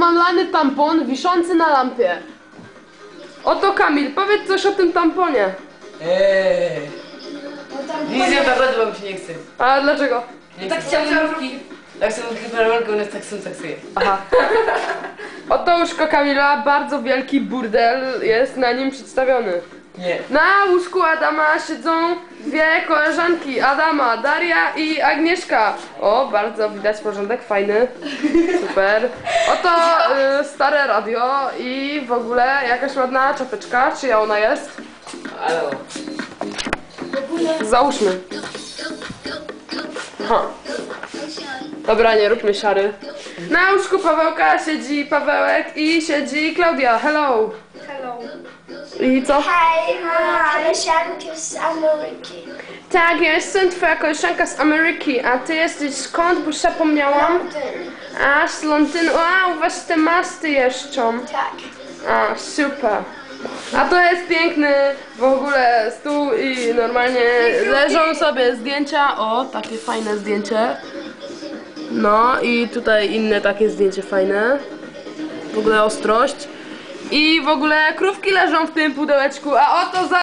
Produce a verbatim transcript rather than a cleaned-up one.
namamlany tampon wiszący na lampie. Oto Kamil, powiedz coś o tym tamponie. Eee. Nic nie naprawdę, bo mi się nie chce. A dlaczego? Nie tak chciałam rurki. Tak są rurki paralelki, one tak są seksuje. Aha. Oto łóżko Kamila, bardzo wielki burdel jest na nim przedstawiony. Nie. Na łóżku Adama siedzą dwie koleżanki, Adama, Daria i Agnieszka. O, bardzo widać porządek, fajny, super. Oto y, stare radio i w ogóle jakaś ładna czapeczka, czyja ona jest? Ale Załóżmy. Aha. Dobra, nie róbmy siary. Na łóżku Pawełka siedzi Pawełek i siedzi Klaudia. Hello. Hello. I co? Hej, mam koleżankę z Ameryki. Tak, ja jestem twoja koleżanka z Ameryki, a ty jesteś skąd? Bo już zapomniałam. Londyn. A, z Londynu. A, u was te masty jeszcze. Tak. A, super. A to jest piękny w ogóle stół i normalnie leżą sobie zdjęcia. O, takie fajne zdjęcie. No i tutaj inne takie zdjęcie fajne. W ogóle ostrość. I w ogóle krówki leżą w tym pudełeczku, a oto za